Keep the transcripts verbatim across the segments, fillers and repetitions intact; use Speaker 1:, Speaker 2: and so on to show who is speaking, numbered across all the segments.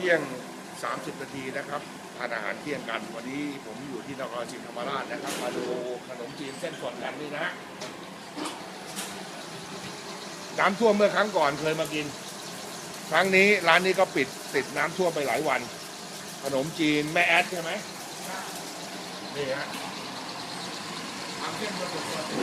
Speaker 1: ที่ยงสามสิบนาทีนะครับทานอาหารเที่ยงกันวันนี้ผมอยู่ที่นครศรีธรรมราชนะครับมาดูขนมจีนเส้นสดกันนี่นะน้ำท่วมเมื่อครั้งก่อนเคยมากินครั้งนี้ร้านนี้ก็ปิดติดน้ำท่วมไปหลายวันขนมจีนแม่แอดใช่ไหมนี่ฮะทำเส้นสด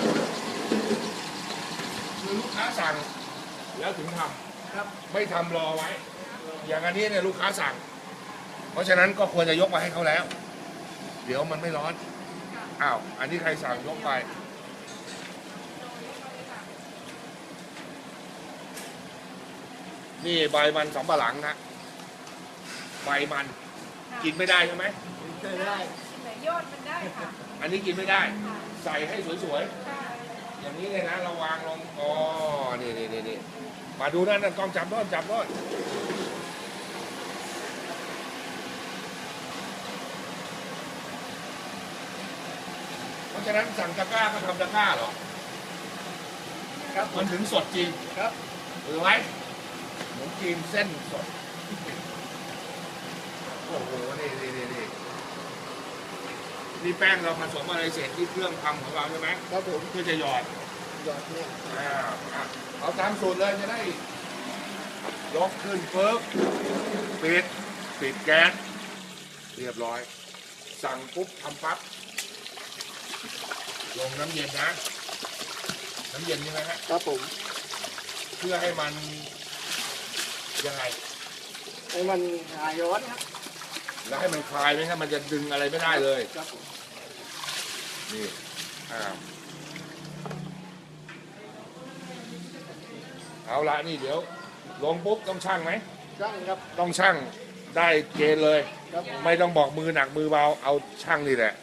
Speaker 1: คือลูกค้าสั่งแล้วถึงทำครับไม่ทำรอไว้อย่างอันนี้เนี่ยลูกค้าสั่งเพราะฉะนั้นก็ควรจะยกมาให้เขาแล้วเดี๋ยวมันไม่ร้อนอ้าวอันนี้ใครสั่งยกไปนี่ใบมันสำปะหลังนะใบมันกินไม่ได้ใช่ไหม
Speaker 2: กินได้แต่ยอดมันได้ค่ะ
Speaker 1: อันนี้กินไม่ได้ใส่ให้สวยๆอย่างนี้เลยนะระวางลงอ๋อนี่นี่นี่นี่มาดูนั่นนั่นกล้องจับด้อนจับด้อนเพราะฉะนั้นสั่งตะกร้าก็ทำตะกร้าเหรอครับมันถึงสดจริงครับหรือไว้ขนมจีนเส้นสดโอ้โหนี่นี่นี่นี่นี่แป้งเราผสมอะไรเสร็จที่เครื่องทำของเราใช่ไหมครับผมเพื่อจะหยอดหยอดเนี่ยอ่าเอาตามสูตรเลยจะได้ยกขึ้นเฟิร์บปิดปิดแก๊สเรียบร้อยสั่งปุ๊บทำปั๊บลงน้ำเย็นนะน้ำเย็นใช่ไหมฮะ
Speaker 2: ครับผม
Speaker 1: เพื่อให้มันยังไง
Speaker 2: ให้มันหายร้อนครับ
Speaker 1: แล้วให้มันคลายไหมครับมันจะดึงอะไรไม่ได้เลย
Speaker 2: ครับผม
Speaker 1: นี่อ้าวเอาละนี่เดี๋ยวลงปุ๊บต้องชั่งไหม
Speaker 2: ชั่งครับ
Speaker 1: ต้องชั่งได้เกณฑ์เลยไม่ต้องบอกมือหนักมือเบาเอาชั่งนี่แหละ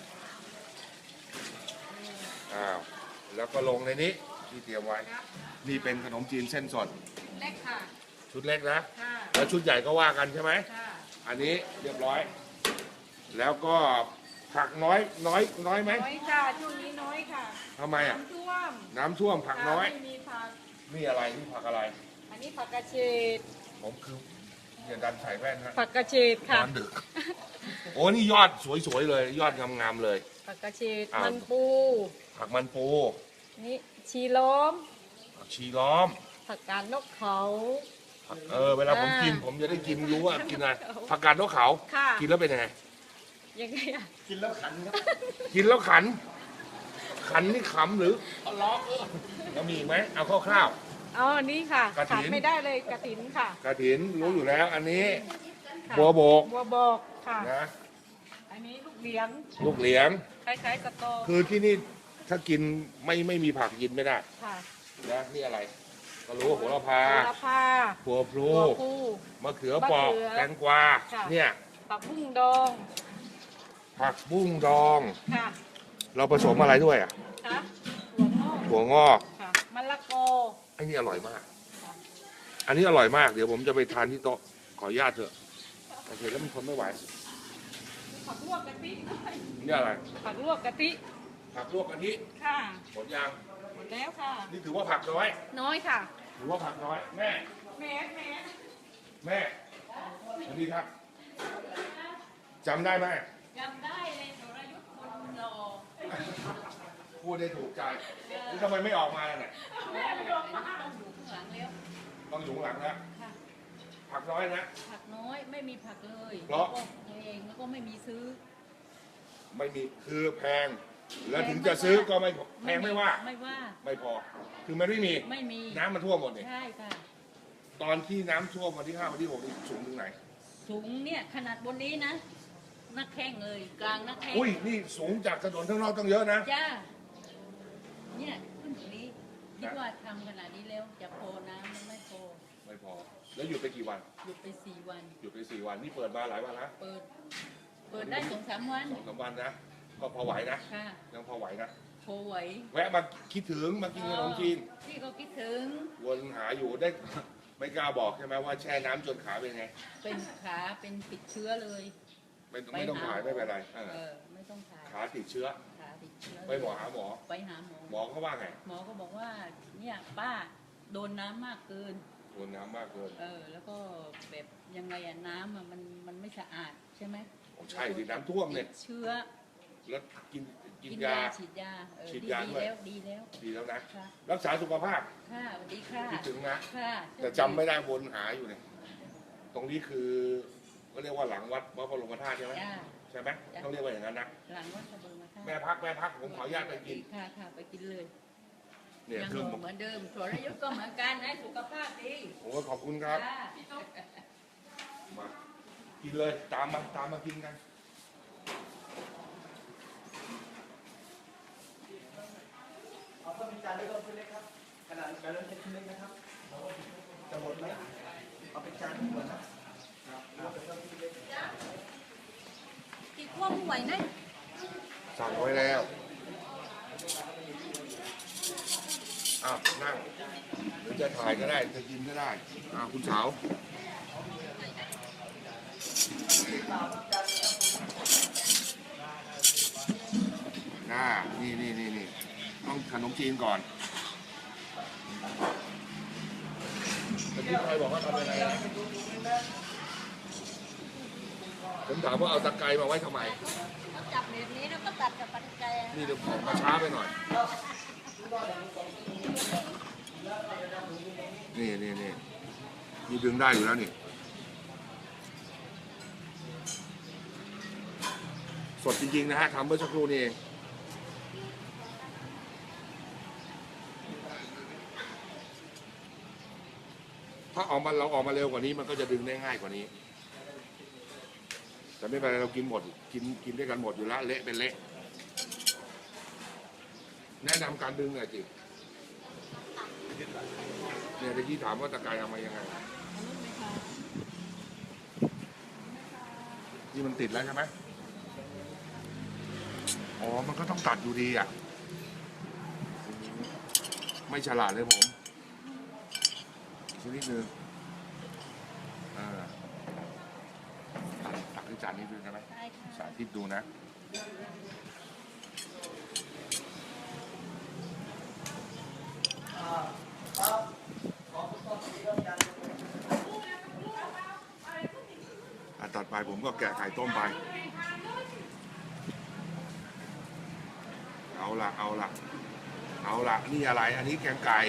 Speaker 1: อ้าวแล้วก็ลงในนี้ที่เตรียมไว้นี่เป็นขนมจีนเส้นสด
Speaker 2: เล็กค่ะ
Speaker 1: ชุดเล็กนะแล้วชุดใหญ่ก็ว่ากันใช่ไหมอันนี้เรียบร้อยแล้วก็ผักน้อยน้อยน้อยไหม
Speaker 2: น้อยค่ะช่วงนี้น้อยค่ะ
Speaker 1: ทำไมอ่ะ
Speaker 2: น้ำท่วม
Speaker 1: น้ำท่วมผักน้อย
Speaker 2: ไม่มีผัก
Speaker 1: นี่อะไรนี่ผักอะไร
Speaker 2: อันนี้ผักกระเฉด
Speaker 1: ผมคืออย่าดันใส่แว่นนะ
Speaker 2: ผักกระเฉดค่ะ
Speaker 1: นอนดึกโอ้นี่ยอดสวยๆเลยยอดงามๆเลย
Speaker 2: ผักกระเฉดมันปู
Speaker 1: ผักมันปู
Speaker 2: นี่ชีล้อม
Speaker 1: ผักชีล้อม
Speaker 2: ผักกาดนกเขา
Speaker 1: เออเวลาผมกินผมจะได้กินรู้ว่ากินอะไรผักกาดนกเขากินแล้วเป็นยังไง
Speaker 2: ยังไงอ่ะ
Speaker 1: กินแล้วขันครับกินแล้วขันขันนี่ขำหรือล้อเออแล้วมีไหมเอาคร่าว
Speaker 2: ๆอ๋อนี่ค่ะกระถินไม่ได้เลยกระถินค่ะ
Speaker 1: กระถินรู้อยู่แล้วอันนี้บัวโบก
Speaker 2: บัวโบกค่ะนะอันนี้ลูกเหลียง
Speaker 1: ลูกเหลียง
Speaker 2: คล้ายๆกระโต
Speaker 1: คือที่นี่ถ้ากินไม่ไม่มีผักกินไม่ได้
Speaker 2: ค่ะ
Speaker 1: นะนี่อะไรก็รู้โหระพา
Speaker 2: โหระพา
Speaker 1: หัวพลูมะเขือเปราะแตงกวาเนี่ย
Speaker 2: ผักบุ้งดอง
Speaker 1: ผักบุ้งดอง
Speaker 2: ค่ะ
Speaker 1: เราผสมอะไรด้วยอ่ะ
Speaker 2: ค่ะถั่วงอก
Speaker 1: ถั่วงอก
Speaker 2: ค่ะมะละกอ
Speaker 1: ไอ้นี่อร่อยมากอันนี้อร่อยมากเดี๋ยวผมจะไปทานที่โต๊ะขออนุญาตเถอะโอเคแล้วมันทนไม่ไหว
Speaker 2: ผักลวกกะทิ
Speaker 1: นี่อะไร
Speaker 2: ผักลวกกะทิ
Speaker 1: ผักลวกกะทิ
Speaker 2: ค่ะ
Speaker 1: หมดยัง
Speaker 2: หมดแล้วค่ะ
Speaker 1: นี่ถือว่าผักน้อย
Speaker 2: น้อยค่ะ
Speaker 1: ถือว่าผักน้อยแม่
Speaker 2: แม่แม่
Speaker 1: แม่สวัสดีครับจำได้ไหม
Speaker 2: จำได้เลยสรยุทธ์คนหล่อ
Speaker 1: พูดได้ถูกใจนี่ทำไมไม่ออกมาเนี่ยต้องอยู่ข้างหลังแล้วผักน้อยนะ
Speaker 2: ผักน้อยไม่มีผักเลย
Speaker 1: เพราะ
Speaker 2: เองแล้วก็ไม่มีซื้อ
Speaker 1: ไม่มีคือแพงแล้วถึงจะซื้อก็ไม่แพงไม่ว่า
Speaker 2: ไม่ว่า
Speaker 1: ไม่พอคือมันไม่มี
Speaker 2: ไม่มี
Speaker 1: น้ำมันท่วมหมดเลย
Speaker 2: ใช่ค่ะ
Speaker 1: ตอนที่น้ำท่วมวันที่ห้าวันที่หกนี่สูงถึงไหน
Speaker 2: สูงเนี่ยขนาดบนนี้นะนักแข้งเลยกลางนักแข้ง
Speaker 1: อุ้ยนี่สูงจากถนนข้างนอกต้องเยอะนะ
Speaker 2: จ้าเนี่ยขึ้นตรงนี้คิดว่าทำขนาดนี้แล้วจะพอน้ำมันไม่พอ
Speaker 1: ไม่พอแล้วหยุดไปกี่วัน
Speaker 2: หยุดไปสี่วัน
Speaker 1: หยุดไปสี่วันนี่เปิดมาหลายวันนะ
Speaker 2: เปิดเปิดได้สองสามวัน
Speaker 1: สองสามวันนะก็พอไหวนะยังพอไหวนะ
Speaker 2: พอไหว
Speaker 1: แวะมาคิดถึงมากินขนมจีน
Speaker 2: พี่ก็คิดถึง
Speaker 1: วนหาอยู่ได้ไม่กล้าบอกใช่ไหมว่าแช่น้ำจนขาเป็นไง
Speaker 2: เป็นขาเป็นติดเชื้อเลย
Speaker 1: ไม่ไม่ต้องถ่ายไม่เป็นไร
Speaker 2: เออไม่ต้องถ่าย
Speaker 1: ขาติดเชื้อ
Speaker 2: ขาติดเชื้อ
Speaker 1: ไปหมอหาหมอ
Speaker 2: ไปหาหมอ
Speaker 1: หมอเขาว่าไง
Speaker 2: หมอก็บอกว่าเนี่ยป้าโดนน้ำมากเกิน
Speaker 1: โอ้วนน้ำมากเกิน
Speaker 2: เออ แล้วก็แบบยังไงอะน้ำอะมันมันไม่สะอาดใช่ไหม
Speaker 1: ใช่ดิน้ำท่วมเนี่ย
Speaker 2: ติดเชื้อ
Speaker 1: แล้วกินกิน
Speaker 2: กิน
Speaker 1: ยาย
Speaker 2: าฉีดยาเออ
Speaker 1: ฉีด
Speaker 2: ดี
Speaker 1: ยา
Speaker 2: ดี
Speaker 1: ด้วย
Speaker 2: แล้วดีแล้ว
Speaker 1: ดีแล้วนะ
Speaker 2: ค่ะ
Speaker 1: รักษาสุขภาพ
Speaker 2: ค่ะสวัสดีค่ะ
Speaker 1: คิดถึงนะ
Speaker 2: ค่ะ
Speaker 1: แต่จำไม่ได้วนหาอยู่เนี่ยตรงนี้คือก็เรียกว่าหลังวัดพระบรมธาตุใช่ไหม
Speaker 2: จ้า
Speaker 1: ใช่ไหมต้องเรียกว่าอย่างนั้นนะ
Speaker 2: หลังวัดกระเบืองมาค่ะ
Speaker 1: แม่พักแม่พักผมขออนุญาตไปกิน
Speaker 2: ค่ะค่ะไปกินเลย
Speaker 1: เนี่ย
Speaker 2: ยัง
Speaker 1: เครื่อง
Speaker 2: เหมือนเดิมส่วนระยุทธ์ก็เหมือนกันนะสุขภาพดี
Speaker 1: ผมก็ขอบคุณครับ
Speaker 2: ค่ะ
Speaker 1: มากินเลยตามมาตามมากินกัน
Speaker 3: เอาข้าวเป็นจานเล็กก็เป็นเล็กครับขนาดการเริ่มเป็นชิ้นเล็กนะครับจะหมดไหมเอาเป็นจานหมดนะ
Speaker 2: ติดควบไหวนะ
Speaker 1: สั่งไว้แล้วอ้าวนั่งหรือจะถ่ายก็ได้จะกินก็ได้อ้าวคุณสาวน่านี่นี่นี่นี่ต้องขนมจีนก่อนตะกี้ใครบอกว่าทำยังไงนะผมถามว่าเอาตะไคร้มาไว้ทำไม
Speaker 2: ต้องจับแบบนี้แล้วก็ตัดกับปัจจัย
Speaker 1: นี่เดี๋ยวของมาช้าไปหน่อย นี่นี่นี่นี่ดึงได้อยู่แล้วนี่ สดจริงๆนะฮะทำเมื่อสักครู่นี้เองถ้าออกมาเราออกมาเร็วกว่านี้มันก็จะดึงได้ง่ายกว่านี้ แต่ไม่เป็นไรเรากินหมด กินกินด้วยกันหมดอยู่แล้วเละเป็นเละ แนะนำการดึงหน่อยจิเนี่ยตะกี้ถามว่าตะไคร้เอามายังไง นี่มันติดแล้วใช่ไหมอ๋อ มันก็ต้องตัดอยู่ดีอ่ะ ไม่ฉลาดเลยผมชนิดนึงอ่าตัดตักที่จานนี้ดูได้ไหม
Speaker 2: ได้ค่ะ
Speaker 1: สาธิตดูนะ อันต่อไปผมก็แกะไข่ต้มไป เอาละเอาละเอาละนี่อะไร อันนี้แกงไก่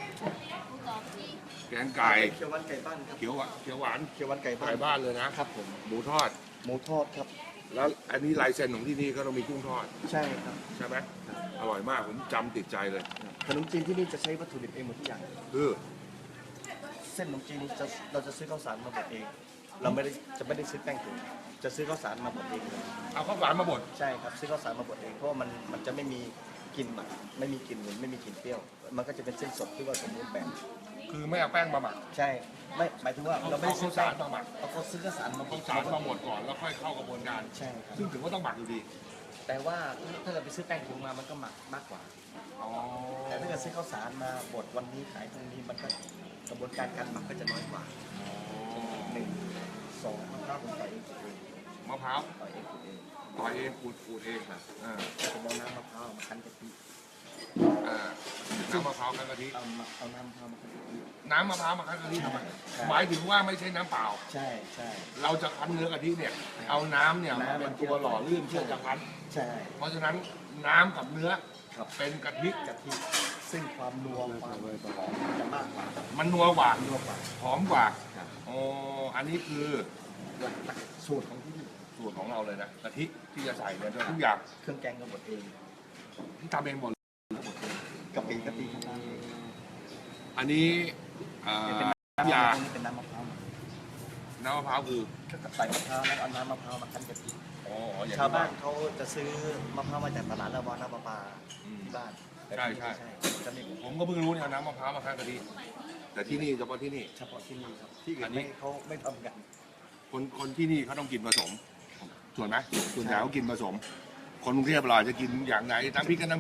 Speaker 1: แกงไก่
Speaker 3: เขียวหวานไก่บ้านครับ
Speaker 1: เขียวหวานเขียวหวาน
Speaker 3: เขียวหวานไก่บ้าน
Speaker 1: ไก่บ้านเลยนะครับ
Speaker 3: ผม
Speaker 1: หมูทอด
Speaker 3: หมูทอดครับ
Speaker 1: แล้วอันนี้ลายเซ็นของที่นี่ก็ต้องมีกุ้งทอด
Speaker 3: ใช่ครับ
Speaker 1: ใช่ไหมอร่อยมาก ผมจำติดใจเลย
Speaker 3: ขนมจีนที่นี่จะใช้วัตถุดิบเองหมดทุกอย่าง
Speaker 1: คือ
Speaker 3: เส้นขนมจีนจะเราจะซื้อข้าวสารมาบดเอง เราไม่ได้จะไม่ได้ซื้อแป้งถุงจะซื้อข้าวสารมาบดเองเลย
Speaker 1: เอาข้าวสารมาบด
Speaker 3: ใช่ครับซื้อข้าวสารมาบดเองเพราะว่ามันมันจะไม่มีกลิ่นหมักไม่มีกลิ่นเหม็นไม่มีกลิ่นเปรี้ยว มันก็จะเป็นเส้นสดที่ว่าสมบูรณ์แบบ
Speaker 1: คือไม่เอาแป้งมาหมัก
Speaker 3: ใช่ไม่หมายถึงว่าเราไม่ได้ซื้อ
Speaker 1: เอาข้าวสารมาหมัก
Speaker 3: เอาเขาซื้อข้าวสารมาบ
Speaker 1: ข้าว
Speaker 3: ด
Speaker 1: สารมาบดก่อนแล้วค่อยเข้ากระบวนการ
Speaker 3: ใช่ครับ
Speaker 1: ซึ่งถือว่าต้องหมักอยู่ดี
Speaker 3: แต่ว่าถ้าเกิดไปซื้อแป้งถุงมามันก็หมักมากกว่า
Speaker 1: อ๋อ
Speaker 3: แต่ถ้าเกิดซื้อข้าวสารมาบดวันนี้ขายพรุ่งนี้มันก็กระบวนการการหมักก็จะน้อยกว่าหนึ่งสองมะพร้าวผมต่อยเองขูดเอง
Speaker 1: มะพร้าว
Speaker 3: ต่อยเองขูดเอง
Speaker 1: ต่อยเองขูดขูดเองอ่า
Speaker 3: ผมเอาน้ำมะพร้าวมาคั้นกะทิ
Speaker 1: อ่าน้ำมะพร้าวคั้นกะทิ
Speaker 3: เอามาเอาน้ำมะพร้าวมาคั้นกะทิ
Speaker 1: น้ำมะพร้าวมาคั้นกะทิทำไม
Speaker 3: ใช่
Speaker 1: หมายถึงว่าไม่ใช่น้ำเปล่า
Speaker 3: ใช่ใช่
Speaker 1: เราจะคั้นเนื้อกะทิเนี่ย เอาน้ำเนี่ยมา
Speaker 3: น้ำ
Speaker 1: เป็นตัวหล่อลื่นเพื่อจะคั้น
Speaker 3: ใช่
Speaker 1: เพราะฉะนั้นน้ำกับเนื้อ
Speaker 3: ครับ
Speaker 1: เป็นกะทิ
Speaker 3: กะทิซึ่งความนัวความหอมจะมากกว่า
Speaker 1: มันนัวกว่า
Speaker 3: นัวกว่า
Speaker 1: หอมกว่า
Speaker 3: ครับ
Speaker 1: อ๋ออันนี้คือ
Speaker 3: หลักหลักสูตรของที่นี่
Speaker 1: สูตรของเราเลยนะกะทิที่จะใส่เนี่ยทุกอย่าง
Speaker 3: เครื่องแกงก็บดเอง
Speaker 1: ที่ทำเองหมด
Speaker 3: กะปิกะปิของร้านเอง
Speaker 1: อันนี้อ่า
Speaker 3: เป็น
Speaker 1: น้ำยา
Speaker 3: ตรงนี้เป็นน้ำมะพร้าว
Speaker 1: น้ำมะพร้าวคือ
Speaker 3: ใส่มะพร้าวแล้วเอาน้ำมะพร้าวมาคั้นกะทิ
Speaker 1: อ๋ออย่าง
Speaker 3: ชาว
Speaker 1: ที่
Speaker 3: บ้านเขาจะซื้อมะพร้าวมาจากตลาดแล้ววาน้ำประปา
Speaker 1: อืม
Speaker 3: ที่บ้านแต่
Speaker 1: ใช่
Speaker 3: ที่นี่
Speaker 1: ใช่
Speaker 3: ไม่ใช่จะมี
Speaker 1: ผมก็เพิ่งรู้เนี่ยเอาน้ำมะพร้าวมาคั้นกะทิแต่ที่นี่เฉพาะที่นี่
Speaker 3: เฉพาะที่นี่ครับที่อื่
Speaker 1: อั
Speaker 3: น
Speaker 1: นนี้
Speaker 3: ไม่เขาไม่ทำกัน
Speaker 1: คนคนที่นี่เขาต้องกินผสมส่วนไหมส่วนใหญ่เขากินผสม คนกรุงเทพเราอาจจะกินอย่างไหนน้ำพริกกับน้ำพริก
Speaker 3: ค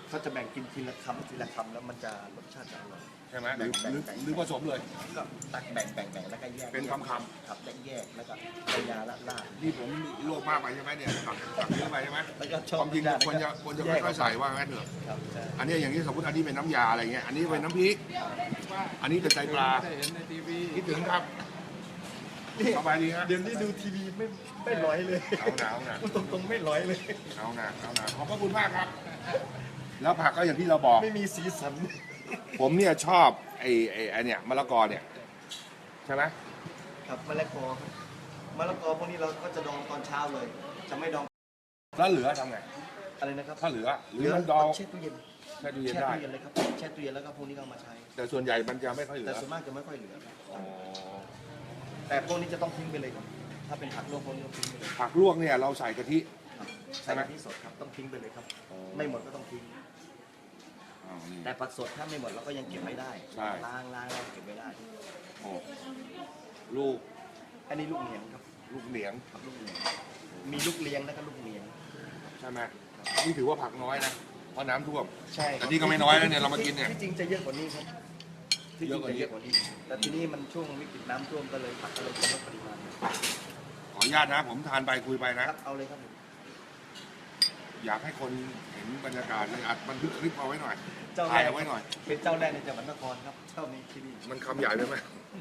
Speaker 3: เขาจะแบ่งกินทีละคำทีละคำแล้วมันจะรสชาติจะอร่อย
Speaker 1: ใช่ไหมหรือหรือหรือผสมเลย
Speaker 3: ก็ตักแบ่งแบ่งแบ่งแล้วก็แยก
Speaker 1: เป็นคำค
Speaker 3: ครับแยกแยกแล้วก็เอายาละลาด
Speaker 1: ำนี่ผมโลภมากไปใช่ไหมเนี่ยตักตักเยอะไปใช่ไหม
Speaker 3: แล้วก็ช
Speaker 1: ค
Speaker 3: อบ
Speaker 1: วามจริงควรจะควรจะค่อยๆใส่ว่างั้นเถอะ
Speaker 3: ครับใช่
Speaker 1: อันนี้อย่างนี้สมมติอันนี้เป็นน้ำยาอะไรเงี้ยอันนี้เป็นน้ำพริกอันนี้เป็นไตปลา
Speaker 4: ได้เห็นในทีวี
Speaker 1: คิดถึงครับสบายดีฮะ
Speaker 3: เดี๋ยวนี้ดูทีวีไม่ไม่ร้อยเลย
Speaker 1: เอาหนาเอาหนา
Speaker 3: ตรงตรงๆไม่ร้อยเลย
Speaker 1: เอาหนาเอาหนาขอบพระคุณมากครับ แล้วผักก็อย่างที่เราบอก
Speaker 3: ไม่มีสีสัน
Speaker 1: ผมเนี่ยชอบไอ้ไอ้ไอ้เนี่ยมะละกอเนี่ยใช่ไหม
Speaker 3: ครับมะละกอครับมะละกอพวกนี้เราก็จะดองตอนเช้าเลย จะไม่ดอง
Speaker 1: แล้วเหลือทำไง
Speaker 3: อะไรนะครับ
Speaker 1: ถ้าเหลือหรือมันดอง
Speaker 3: แช่ตู้เย็น
Speaker 1: แช่ตู้เย็น
Speaker 3: แช่
Speaker 1: ได้
Speaker 3: ตู้เย็นเลยครับแช่ตู้เย็นแล้วก็พวกนี้ก็เอามาใช้
Speaker 1: แต่ส่วนใหญ่มันจะไม่ค่อยเหลื
Speaker 3: แต่
Speaker 1: อ
Speaker 3: ส่วนมากจะไม่ค่อยเหลือครับ
Speaker 1: อ๋อ
Speaker 3: แต่พวกนี้จะต้องทิ้งไปเลยครับถ้าเป็นผักลวกพวกนี้ต้องทิ้งไปเลย
Speaker 1: ผักลวกเนี่ยเราใส่กะทิ
Speaker 3: ครับ
Speaker 1: ใช่
Speaker 3: ใส่
Speaker 1: ไหม
Speaker 3: กะทิสดครับต้องทิ้งไปเลยครับ
Speaker 1: อ๋อ
Speaker 3: ไม่หมดก็ต้องทิ้ง
Speaker 1: อ้าวนี่
Speaker 3: แต่ผักสดถ้าไม่หมดเราก็ยังเก็บไว้ได้
Speaker 1: ใช่
Speaker 3: ล้างล้างแล้วเก็บไว้ได้
Speaker 1: โอ้ลูก
Speaker 3: อันนี้ลูกเหนียงครับ
Speaker 1: ลูกเหนียง
Speaker 3: ครับลูกเหนียงมีลูกเลี้ยงแล้วก็ลูกเหนียง
Speaker 1: ใช่ไหมนี่ถือว่าผักน้อยนะเพราะน้ำท่วม
Speaker 3: ใช่
Speaker 1: แต่นี่ก็ไม่น้อยแล้วเนี่ยเรามากินเนี่ย
Speaker 3: ที่จริงจะเยอะกว่านี้ครับที่จ
Speaker 1: เย
Speaker 3: ริ
Speaker 1: อะ
Speaker 3: ง
Speaker 1: กว่า
Speaker 3: จะ
Speaker 1: นี้
Speaker 3: เยอะกว่านี้ แต่ทีนี้มันช่วงวิกฤตน้ำท่วมก็เลยผักก็เลยลดปริมาณ
Speaker 1: ขออนุญาตนะ ผมทานไปคุยไปนะ
Speaker 3: ครับเอาเลยครับผม
Speaker 1: อยากให้คนเห็นบรรยากาศเลยอัดบันทึกคลิปเอาไว้หน่อย
Speaker 3: เจ้าแร
Speaker 1: ถ่าย
Speaker 3: ก
Speaker 1: เอาไว้หน่อย
Speaker 3: เป็นเจ้าแรกในจังหวัดนครครับเจ้านี้ที่นี่
Speaker 1: มันคำใหญ่ไปไหม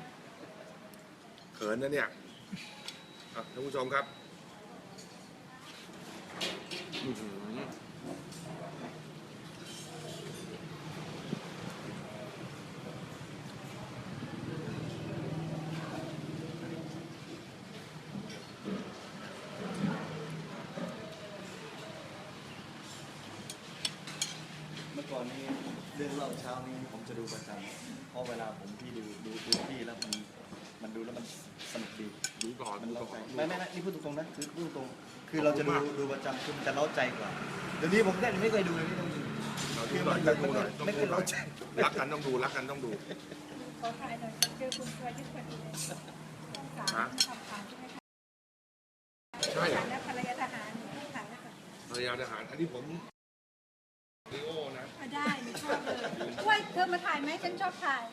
Speaker 1: เขินนะเนี่ยอ่ะท่านผู้ชมครับอื้อหือ
Speaker 3: เมื่อก่อนนี้เรื่องเล่าเช้านี้ผมจะดูประจำเพราะเวลาผมที่ดูดูดูที่แล้วมันมันดูแล้วมันสนุกดี
Speaker 1: ดูต่อ
Speaker 3: มัน
Speaker 1: ดู
Speaker 3: เล้า
Speaker 1: ต่อ
Speaker 3: ใจไม่ไม่ไม่นี่พูดตรงๆนะคือพูดตรงๆคือเราจะดูดูประจำคือมันจะเล้าใจกว่าเดี๋ยวนี้ผมแค่ไม่เคยดูเลยนี่ต้องดู
Speaker 1: เรา
Speaker 3: คื
Speaker 1: ดู
Speaker 3: อ
Speaker 1: หน่
Speaker 3: มั
Speaker 1: อย
Speaker 3: น
Speaker 1: ต้
Speaker 3: แบ
Speaker 1: อง
Speaker 3: บ
Speaker 1: ดู
Speaker 3: ไม่
Speaker 1: ห
Speaker 3: เค
Speaker 1: น่อย ยต้องดูหน่
Speaker 3: ไม่เคยเล้า
Speaker 1: อย
Speaker 3: ใจ
Speaker 1: รักกันต้องดูรักกันต้องดู
Speaker 5: ขอถ่ายหน่อยเจอคุณชวยที่พอดีเลยต้องสาม
Speaker 1: ฮะ
Speaker 5: ทำผ่านใช่ไหมคะ
Speaker 1: ใช่เหรอ
Speaker 5: และภรรยาทหารต้องถ่ายแล้วค่ะ
Speaker 1: ภรรยาทหารอันนี้ผมลีโอนะ
Speaker 5: อ่ะได้หนูชอบเลยว้ยเธอมาถ่ายไหมฉันชอบถ่าย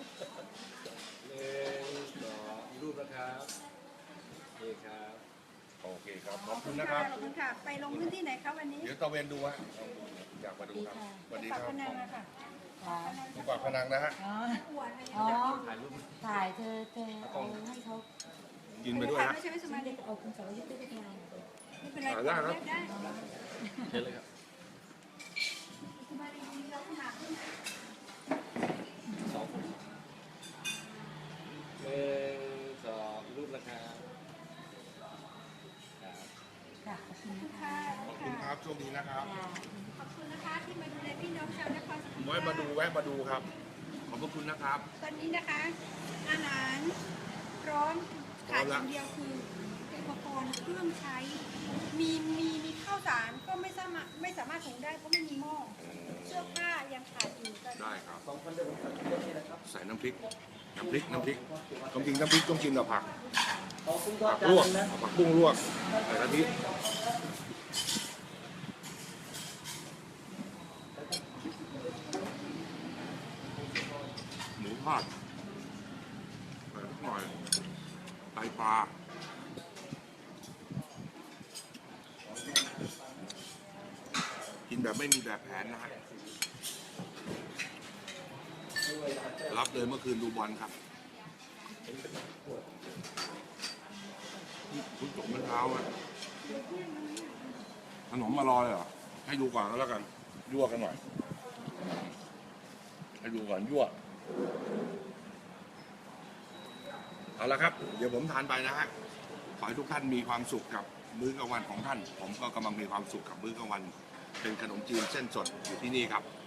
Speaker 4: รูปนะครับโอเคครับ
Speaker 1: โอเคครับขอบคุณนะครับ
Speaker 5: ขอบคุณค่ะ ไปลงพื้นที่ไหนคะวันนี้
Speaker 1: เดี๋ยวตะเวนดูฮะอยากมาดูครับสวัสดีค
Speaker 5: ปาก
Speaker 1: รับ
Speaker 5: พนังอะค่ะ
Speaker 1: ผมปากพนังนะฮะ
Speaker 2: อ๋อ
Speaker 5: อวดอะไรอย่าง
Speaker 2: อ๋อ
Speaker 5: เงี้ย
Speaker 4: ถ่ายรูป
Speaker 2: ถ่ายเธอเธอเอาให้เขา
Speaker 1: กินไปด้วย
Speaker 5: ถ่าย
Speaker 1: ฮะ
Speaker 5: ไม่ใช่ไม่ส
Speaker 2: ฉั
Speaker 5: มาน ธิ
Speaker 2: จะเอาคุณสรยุทธ์ไปทำงาน
Speaker 5: ไม่เป็นไร
Speaker 1: ถ่ายได้ครับ
Speaker 5: ได้
Speaker 4: เชิญเลยครับ
Speaker 5: สบายดีเราขนาดขึ้น
Speaker 4: สองคนหนึ่งสองรูปนะครับครับ
Speaker 2: ค่ะขอบคุณ
Speaker 5: ค่ะ
Speaker 1: ขอบคุณครับโชคดีนะครับ
Speaker 5: ขอบคุณนะคะที่มาดูแลพี่น้องชาวนครศรีธรรม
Speaker 1: ไว้
Speaker 5: ราช
Speaker 1: มาดูแวะมาดูครับ ขอบพระคุณนะครับ
Speaker 5: ตอนนี้นะคะ อาหารพร้อมขาดอย่างเดียวคืออุปกรณ์เครื่องใช้ มีมีมีข้าวสารก็ไม่สามารถไม่สามารถหุงได้เพราะไม่มีหม้อเสื้อผ้ายังขาดอยู่ตอนนี้
Speaker 1: ได้ครับ
Speaker 3: สองคนเดียวผมตัดเรื่องนี้นะครับ
Speaker 1: ใส่น้ำพริก น้ำพริก น้ำพริกต้องกินน้ำพริกต้องกินกับผัก
Speaker 3: ขอบคุณก็
Speaker 1: ผัก
Speaker 3: จาน
Speaker 1: ลวก
Speaker 3: นึงนะ
Speaker 1: ผักบุ้งลวกใส่กะทิหมูทอดใส่สักหน่อยไตปลา กินแบบไม่มีแบบแผนนะฮะ รับเลยเมื่อคืนดูบอลครับคุณจบเมื่อเช้าอะขนมมารอเลยเหรอ ให้ดูก่อนก็แล้วกัน ยั่วกันหน่อย ให้ดูก่อนยั่ว เอาละครับ เดี๋ยวผมทานไปนะฮะ ขอให้ทุกท่านมีความสุขกับมื้อกลางวันของท่าน ผมก็กำลังมีความสุขกับมื้อกลางวัน เป็นขนมจีนเส้นสดอยู่ที่นี่ครับ